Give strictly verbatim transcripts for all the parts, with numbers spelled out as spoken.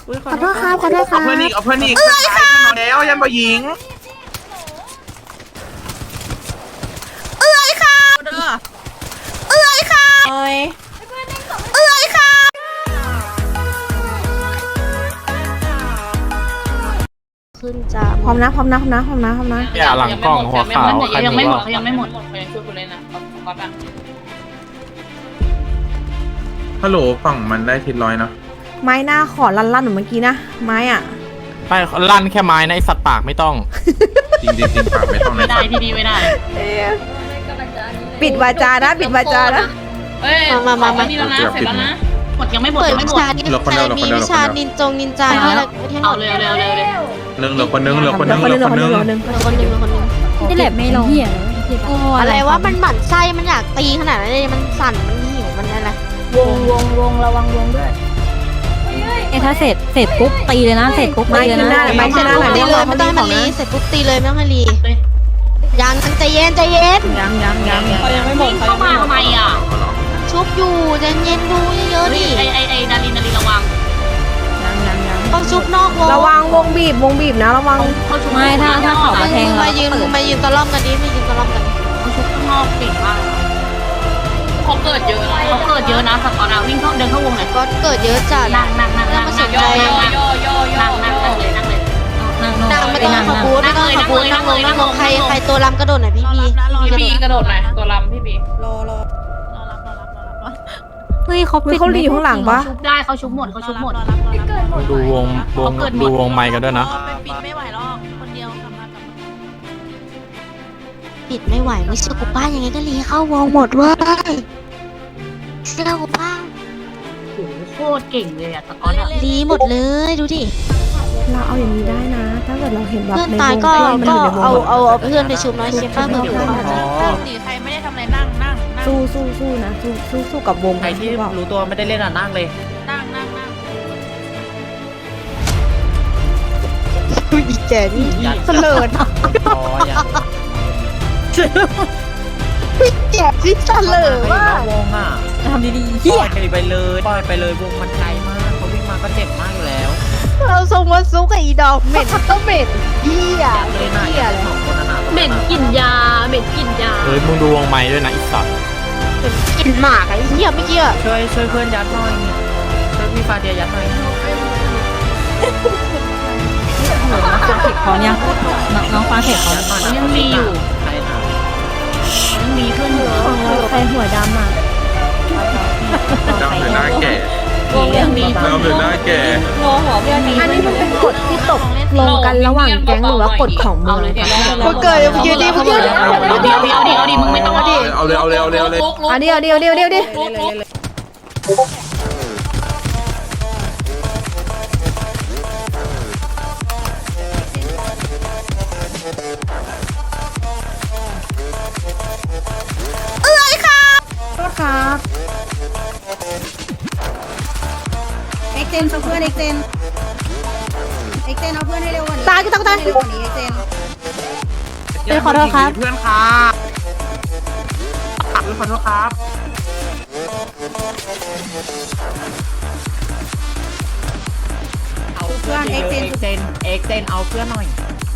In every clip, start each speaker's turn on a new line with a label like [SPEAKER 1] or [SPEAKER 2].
[SPEAKER 1] ขอโทษครับขอโทษครับ
[SPEAKER 2] เอาเพื่อนอีกเอาเพื่อนอีกเอ้ยค่ะแล้วยันบ่หญิงเอ้ยค่ะเอ้ยค่ะเอ้ยเอ้ยค่ะ
[SPEAKER 1] ขึ้นจ้าพร้อมนะพร้อมนะพร้อมนะพร้อมนะพร้อมนะ
[SPEAKER 3] อย่าหลังกล้องหัวขาวใคร
[SPEAKER 4] ยัง
[SPEAKER 3] ไม่
[SPEAKER 4] ไม่หม
[SPEAKER 3] รู้
[SPEAKER 4] ดยังไม่หมดเขายังช่วยกูเลยนะก๊อตอะ
[SPEAKER 2] ฮัลโหลฝั่งมันได้ทิศร้อยนะ
[SPEAKER 1] ไม้หน้าขอลั่นลั่นเหมือนเมื่อกี้นะไม้อ่ะ
[SPEAKER 3] ไปลั่นแค่ไม้นะไอสัตว์ปากไม่ต้อง
[SPEAKER 2] จริงจริงจริงปากไม่ต้อง
[SPEAKER 4] ไม่ได้พี่ดีไม่ได้
[SPEAKER 1] ปิดวาจานะปิดวาจานะ
[SPEAKER 4] เอ้ยมามามานี่แล้วนะเสร็จแล้วนะหมดยังไม่หมด
[SPEAKER 5] เปิด
[SPEAKER 4] ยังไม่
[SPEAKER 5] วิ
[SPEAKER 4] หมด
[SPEAKER 5] ชานี้ใครมีวิชานินจงนินจาอะไรประเทศ
[SPEAKER 4] เอาเร็วเร็วเร็วเร็ว
[SPEAKER 2] เรื่องเหลือคนนึงเหลือคนนึง
[SPEAKER 1] ค
[SPEAKER 2] เห
[SPEAKER 1] น
[SPEAKER 2] ลื
[SPEAKER 1] นึ
[SPEAKER 2] อง คน
[SPEAKER 1] คน
[SPEAKER 2] นึ
[SPEAKER 1] นึ
[SPEAKER 2] ง
[SPEAKER 1] งคนนึง
[SPEAKER 5] คนหนึ่งคนหนึ่ง
[SPEAKER 6] นี่แหละไม่ลง
[SPEAKER 5] โอ้อะไรวะมันหมั่นไส้มันอยากตีขนาดนั้นเลยมันสั่นมันหิวมันอะไร
[SPEAKER 6] วงวงวงระวังวงด้วยเอ้ถ้าเสร็จเสร็จปุ๊บตีเลยนะเสร็จปุ๊บตีเลยนะ
[SPEAKER 1] ไม้ขึ้นหน้าหน่อย
[SPEAKER 5] ตี
[SPEAKER 1] ไม้
[SPEAKER 5] เลย
[SPEAKER 1] ขึ้
[SPEAKER 5] ไม่
[SPEAKER 1] นห
[SPEAKER 5] ต้อง
[SPEAKER 1] น้า
[SPEAKER 5] ให้
[SPEAKER 1] หน่
[SPEAKER 5] มั
[SPEAKER 1] อน ย
[SPEAKER 5] รีเสร็จปุ๊บตีเลยไม่ต้องให้รียังใจเย็นใจเย็น
[SPEAKER 1] ยังยังยังยัง
[SPEAKER 4] เขายังไม่หมดเข้ามาทำไมอ่ะ
[SPEAKER 5] ชุบอยู่ใจเย็นดูเยอะๆดิ
[SPEAKER 4] ไอไอไอดารินดารินระวัง
[SPEAKER 1] ยังยังยัง
[SPEAKER 5] ต้องชุบนอกวง
[SPEAKER 1] ระวังวงบีบวงบีบนะระวัง
[SPEAKER 4] เขาชุบ
[SPEAKER 6] ไม่ถ้าถ้าเขามาแทงเรา
[SPEAKER 5] มายืนมายืนตะล่อมกันดิมายืนตะล่อมกัน
[SPEAKER 4] เขาชุบข้างนอกปิดมากเขาเกิดเยอะนะเขาเกิดเยอะนะสกอร์นะวิ่งเข้าเดินเข้าวงหน่อย
[SPEAKER 5] ก็เกิดเยอะจัด
[SPEAKER 4] นั่งนั่งนั่งนั่ง
[SPEAKER 5] มาส
[SPEAKER 4] นั่ง
[SPEAKER 5] น
[SPEAKER 4] ย่
[SPEAKER 5] ใจ
[SPEAKER 4] อย่อย่อย่อย่อนั่งนั่งนั่งเลยนั่งเลย
[SPEAKER 6] นั่งโน่
[SPEAKER 5] นั่งไม่ต้อง
[SPEAKER 6] นั่ง
[SPEAKER 5] ขบูนไม่ต้องขบูนนั่งลงนั่งลงใครใครตัวลำกระโดดหน่อยพี่พี
[SPEAKER 4] พี่บีกระโดดหน่อยตัวลำพี่บี
[SPEAKER 6] เฮ้ยเขา
[SPEAKER 1] เฮ้ยเขาหลีอยู่ข้างหลังปะ
[SPEAKER 4] ชุบได้เขาชุบหมดเขาชุบหมด
[SPEAKER 3] ดูวงวงดูวงไม้กันด้วยนะ
[SPEAKER 5] ปิดไม่ไหวไม่เชื่อกูป้ายังไงก็รีเข้าวงหมดเว้ยเชื่อกูป้า
[SPEAKER 4] โอ้โหโคตรเก่งเลยอะสกอร์อะ
[SPEAKER 5] รีหมดเลยดูดิ
[SPEAKER 1] เราเอาอย่างนี้ได้นะ ถ้าเกิดเราเห็นแบบ
[SPEAKER 5] เพื่อน
[SPEAKER 1] ใน
[SPEAKER 5] ตายว
[SPEAKER 1] ง
[SPEAKER 5] ก็
[SPEAKER 1] ไอ้มัน
[SPEAKER 5] ก็
[SPEAKER 1] อยู่ในวง
[SPEAKER 5] เอา
[SPEAKER 1] อะ
[SPEAKER 5] เอาเอาเพื่อนไปชุบน้อยเชฟป้าเพื่อน
[SPEAKER 7] หนีใครไม่ได้ทำอะไรนั่งนั่งนั่ง
[SPEAKER 1] สู้สู้สู้นะสู้สู้สู้กับวง
[SPEAKER 7] ใครที่
[SPEAKER 1] รู้เปล่า
[SPEAKER 7] รู้ตัวไม่ได้เล่นอ่ะนั่งเลยนั่งนั่งนั่ง
[SPEAKER 5] อีแจนี่เสลิด
[SPEAKER 7] อ๋อยัง
[SPEAKER 5] แจที่เสลิดว่า
[SPEAKER 7] วงอ่ะ
[SPEAKER 6] ทำดีๆ
[SPEAKER 7] ปล่อยไปเลยปล่อยไปเลยวงมันไกลมากเขาวิ่งมาก็เจ็บมากอยู่แล้ว
[SPEAKER 5] เราส่งมาซุกกับอีดอกเหม็นก็เหม็นเหี้ย
[SPEAKER 7] เลยนะ
[SPEAKER 5] เหี้ยเลย
[SPEAKER 7] สองคนนั้นน่ะ
[SPEAKER 4] เหม็นกลิ่นยาเหม็นกลิ่นยา
[SPEAKER 3] เฮ้ยมึงดูวงไม้ด้วยนะไอสัตว์
[SPEAKER 5] กลิ่นหมากไอ้เหี้ยไม่เกี่ย
[SPEAKER 7] ช่วยช่วยเพื่อนยัดหน่อยช่วยพี่ฟาเดียยัดหน่อย
[SPEAKER 6] พอยังน้องน้องฟังเสร็จเขา
[SPEAKER 7] ยัดหน่อย
[SPEAKER 4] เขายังมีอยู่
[SPEAKER 7] ใครนะ
[SPEAKER 4] ยังมีเพื่อนเยอะ
[SPEAKER 1] ของเราใครหัวดำอ่ะ
[SPEAKER 2] ดำหรือหน้าแก่
[SPEAKER 4] ยังมีเพื่อน
[SPEAKER 2] ดำหรือหน้าแก่
[SPEAKER 1] อันนี้มันเป็นกฎที่ตกลงกันระหว่างแก๊งหรือว่ากฎของเมืองคะ
[SPEAKER 5] มึงเกิดมึงยืนดีมึงยืน
[SPEAKER 4] เอาดิเอาดิเอาดิเอาดิมึงไม่ต้องเอาดิ
[SPEAKER 2] เอาเลยเอาเลยเอาเลยเอาเลย
[SPEAKER 1] เอาเดียวเดียวเดียวเดียวดิ โทษครับ
[SPEAKER 8] เอ็กเจนเอาเพื่อนเอ็กเจนเอ็กเจนเอาเพื่อนให้เร็วกว่านี้
[SPEAKER 1] ตายกูตายกูตาย
[SPEAKER 8] เร็วกว่านี้เอ็กเจน
[SPEAKER 1] เอ้ยขอโทษครับ
[SPEAKER 2] เพื่อนครับขอโทษครับ
[SPEAKER 7] เอาเพื่อนเอ็กเจนเจนเอ็กเจนเอาเพื่อนหน่อย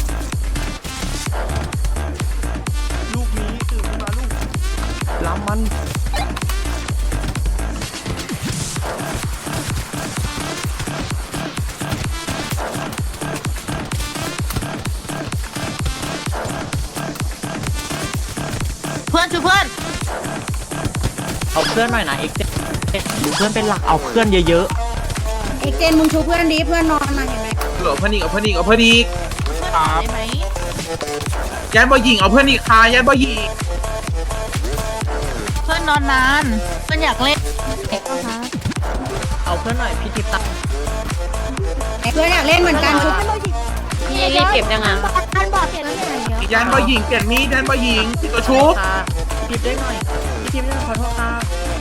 [SPEAKER 7] ลูกนี้ตื่นขึ้นมาลูกล้ำมัน
[SPEAKER 4] เพื่อนช่วยเพื่อน
[SPEAKER 7] เอาเพื่อนหน่อยนะเอ็กเจนดูเพื่อนเป็นหลักเอาเพื่อนเยอะ
[SPEAKER 8] เอ็กเจนมึงชูเพื่อนดีเพื่อนนอนมาเห็นไหม
[SPEAKER 2] เหลือเพื่อนอีกเอาเพื่อนอีกเอาเพื่อนอีก
[SPEAKER 7] ครับ
[SPEAKER 2] ยันบ่หญิงเอาเพื่อนอีกค่ะยันบ่หญิง
[SPEAKER 4] เพื่อนนอนนานเพื่อนอยากเล่น
[SPEAKER 7] ๆเอาเพื่อนหน่อยพี่ทิพย์ตา
[SPEAKER 8] เพื่อนอยากเล่นเหมือนกันชู
[SPEAKER 4] พี่รีบเก็บยังไง
[SPEAKER 2] ยันบ่หญิงเปลี่ยนมีดยันบ่หญิงติดตัวชุบ
[SPEAKER 7] ค่ะพี่ทิพย์ได้หน่อยพี่ทิพย์ได้ขอโทษค่ะ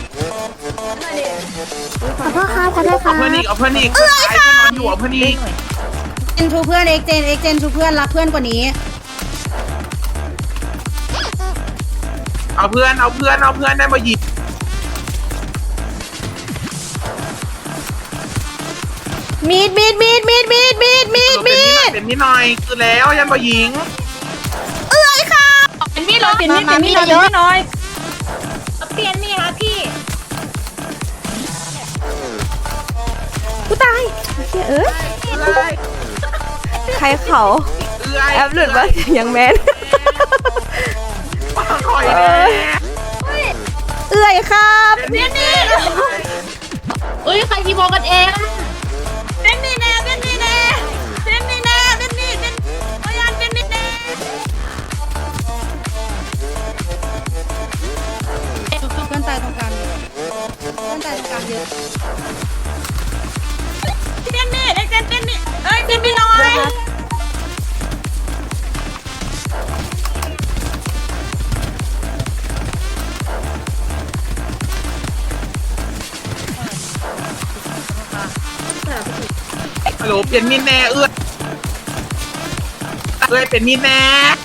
[SPEAKER 1] ขอโทษครับขอโทษค
[SPEAKER 2] เอา
[SPEAKER 1] รับ
[SPEAKER 2] เพื่อนอีกเอาเพื่อนอีกเพื่อนตายเพื่อนนอนอยู่เอาเพื่อนอีก
[SPEAKER 8] เอ็กเจนชูเพื่อนเอ็กเจนเอ็กเจนชูเพื่อนรักเพื่อนกว่านี้
[SPEAKER 2] เอาเพื่อนเอาเพื่อนเอาเพื่อนได้บ่หญิง
[SPEAKER 1] ม
[SPEAKER 2] มีดมีดมีดมีดมีดมีดมีดมีด
[SPEAKER 9] เป็นมีหน่อยคือแล้วยันบ่หญิง
[SPEAKER 2] เอ้ยค่ะ
[SPEAKER 4] เป็นมีดเหรอ
[SPEAKER 6] เปลี่ยนมีดเปลี่ยนมีดเยอะหน่อย
[SPEAKER 8] เปลี่ยนมีค่ะพี่
[SPEAKER 2] กูตายเอ้ยใครเขา
[SPEAKER 9] เอื้อย
[SPEAKER 2] แอปหลุดว่ายังแมน
[SPEAKER 9] ปังคอยแน่
[SPEAKER 2] เอ้ยครับ
[SPEAKER 4] เอ้ยใครทีโมกันเอง
[SPEAKER 8] เป็นมีแน่เป็นมีแน่เป็นมีแน่เป็นมีเป็นพยานเป็นมีแน่เพื่อนตายตรงกลางเพื่อนตายตรงกลางเยอะเป็นมีเอ็กเซนเป็นมีเอ้ยเป็นมีน้อย
[SPEAKER 9] ฮัลโหลเปลี่ยนมีแน่เอื้อยเอื้อยเป็นมีแน่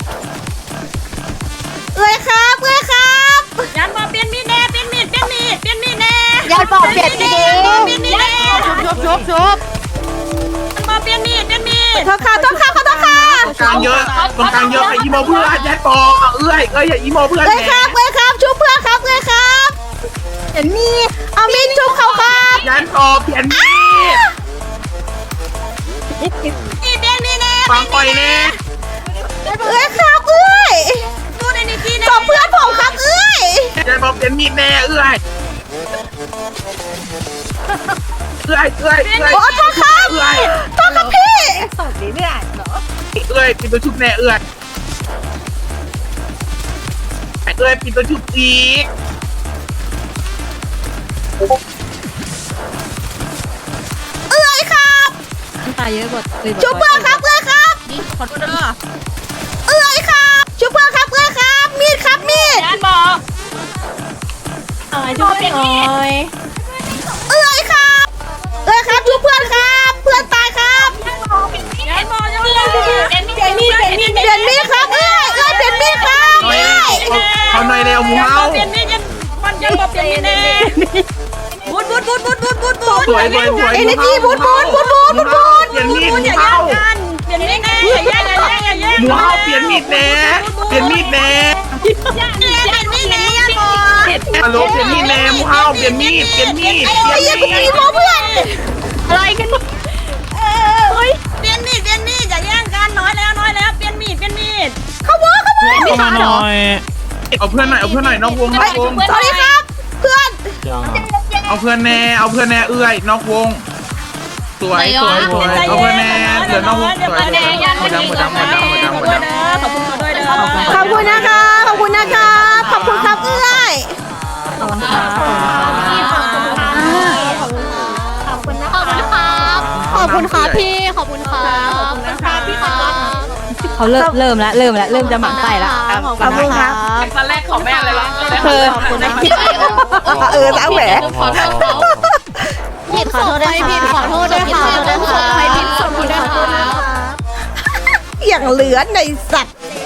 [SPEAKER 2] เอ้ยครับเอ้ยครับ
[SPEAKER 8] ยันบอกเป็นมีแน่เป็นมีเป็นมีเป็นมีแน่
[SPEAKER 5] ยายบอกเปลี่ยนดี
[SPEAKER 8] เป็นมีแน่
[SPEAKER 5] ชุบชุบชุบ
[SPEAKER 8] ยันบอกเป็นมีเป็นมี
[SPEAKER 2] โทษค่ะโทษค่ะขอโทษค่ะ
[SPEAKER 9] ตรงกลางเยอะตรงกลางเยอะไอ้อีโมเพื่อนยันบอกเอาเอื้อยเอ้ยอย่าอีโมเพื่อน
[SPEAKER 2] เอ้ย
[SPEAKER 9] แห
[SPEAKER 2] ครับเอ้ยครับชุบเพื่อนครับเอ้ยครับเห็นมีดเอามีดชุบเขาครับ
[SPEAKER 9] ยันบอกเปลี่ยนมีด
[SPEAKER 8] มีเป็นมีแน่
[SPEAKER 9] ฟังคอยแน่
[SPEAKER 2] เอ้ยครับเอ้ย
[SPEAKER 8] ดูในนิตี้
[SPEAKER 2] กบเพื่อนผมครับเอ้ย
[SPEAKER 9] ยันบอกเปลี่ยนมีดแน่เอื้อยเอื้อยเอื้อยเอื้อย
[SPEAKER 2] โอ้โทษครับ
[SPEAKER 9] เอื้อย
[SPEAKER 2] โทษครับพี่
[SPEAKER 9] เอื้อยปิดตัวชุบแน่เอื้อยไอ้เอื้อยปิดตัวชุบอีก
[SPEAKER 2] เอ้ยครับ
[SPEAKER 6] ตายเยอะกว่าเลย
[SPEAKER 2] ชุบเพื่อนครับเอ้ยครับ
[SPEAKER 4] ขอโทษเด้อ
[SPEAKER 2] เอ้ยครับชุบเพื่อนครับเอ้ยครับมีดครับมีด
[SPEAKER 4] ยันบอก
[SPEAKER 6] อะไรช่วยหน่อย
[SPEAKER 2] เอ้ยครับเอ้ยครับชุบเพื่อนครับเพื่อนตายครับ
[SPEAKER 4] ยันบอกยังเป็นมีดเป็นมีดเป็นมีด
[SPEAKER 2] เปลี่ยนมีดครับเอ้ยเอ้ยเปลี่ยนมีดครับ
[SPEAKER 9] หน่อย
[SPEAKER 2] เอ้ย
[SPEAKER 9] เขาหน่อยเร็วหมูเฮา
[SPEAKER 8] เปลี่ยนมียันมันยันบอกเปลี่ยนมีแน่บูดบูดบูดบูดบูดบูดบูด
[SPEAKER 9] สวยสวยสวย
[SPEAKER 2] เอเนจีบูดบูดบูดบูดบูดบูด
[SPEAKER 9] เปลี่ยนมีดหมู
[SPEAKER 8] อย่า
[SPEAKER 9] เฮา
[SPEAKER 8] แย่งกันเปลี่ยนมีแน่อย่าแย่งอย่าแย่งอย่าแย่ง
[SPEAKER 9] หมูเฮาเปลี่ยนมีดแน่เปลี่ยนมีดแน่
[SPEAKER 8] เปลี่ยนมีแน่ยันบอก
[SPEAKER 9] ฮัลโหลเปลี่ยนมีดแน่หมูเฮาเปลี่ยนมีดเปลี่ยนมีด
[SPEAKER 2] ไอ้เหี้ยกูตีโมเพื่อน
[SPEAKER 6] อะไรกัน
[SPEAKER 8] เปลี่ยนมีดเปลี่ยนมีดอย่าแย่งกันน้อยแล้วน้อยแล้วเปลี่ยนมีดเปลี่ยนมีด
[SPEAKER 2] เขาวอเขาวอ
[SPEAKER 3] เข้ามาหน่อย
[SPEAKER 9] เอาเพื่อนหน่อยเอาเพื่อนหน่อยนอกวงนอกวง
[SPEAKER 2] สวัสดีครับ เพื่อน
[SPEAKER 3] ยัง
[SPEAKER 9] เอาเพื่อนแน่เอาเพื่อนแน่เอื้อยนอกวงสวยสวยสวยเอาเพื่อนแน่เหลือนอกวงสวยสวยหมดดำหมดดำหมดดำหมดดำหมดดำ
[SPEAKER 8] ขอบคุณเขาด้วยเด้อ
[SPEAKER 2] ขอบคุณนะคะขอบคุณนะคะขอบคุณครับเอ้ย
[SPEAKER 6] ขอบคุณค่ะ
[SPEAKER 5] ขอบคุณนะครับขอบคุณครับพี่ขอบคุณครับขอบคุณนะครับพี่ครับ
[SPEAKER 6] เขาเริ่มเริ่มแล้วเริ่มแล้วเริ่มจะหมั่นไส้ละ
[SPEAKER 2] ขอบคุณครับ
[SPEAKER 4] ตอนแรกของแม่เลยละ
[SPEAKER 6] เธอ
[SPEAKER 5] ขอบคุณนะ
[SPEAKER 2] เออแล้วแหม
[SPEAKER 5] ขอโทษเขาผิดขอโทษด้วยผิดขอโทษด้วยค่ะขอโทษด้วยค่ะใครผิดขอโทษด้วยค่ะ
[SPEAKER 2] อย่างเหลือในสัตว์
[SPEAKER 8] เ